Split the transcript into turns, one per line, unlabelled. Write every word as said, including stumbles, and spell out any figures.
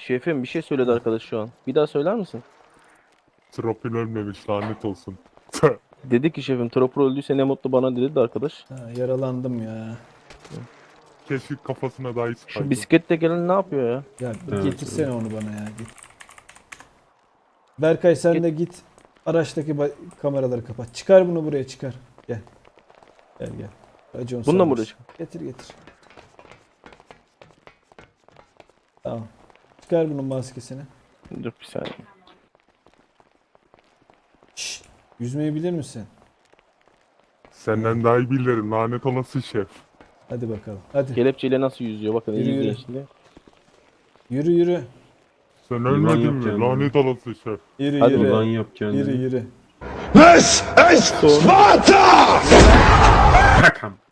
Şefim bir şey söyledi arkadaş şu an. Bir daha söyler misin?
Tropil ölmemiş, lanet olsun.
Dedi ki şefim Tropur öldüyse ne mutlu bana dedi de arkadaş.
Ha, yaralandım ya.
Keşke kafasına dahi
Şu
sıkaydım.
bisiklette gelen ne yapıyor ya?
Ya bir
Evet,
getirsene onu bana ya. Git. Berkay sen
Git.
de git. Araçtaki ba- kameraları kapat. Çıkar bunu buraya çıkar. Gel. Gel gel. Racon
Bununla mı
sarmış.
uğraşayım?
Getir getir. Tamam. Çıkar bunun maskesini.
Dur bir saniye.
Şşş. Yüzmeyi bilir misin?
Senden daha iyi bilirim, lanet olası şef.
Hadi bakalım. Hadi.
Kelepçeyle nasıl yüzüyor bakın
Yürü,
iyi
yürü.
izleyin şimdi.
Yürü yürü.
Sen
Yılan
ölmedin mi?
yapacağım
Lanet olası şef.
Yürü
Hadi
yürü.
Ulan yap kendini.
Yürü yürü.
This is Sparta!
Kakam.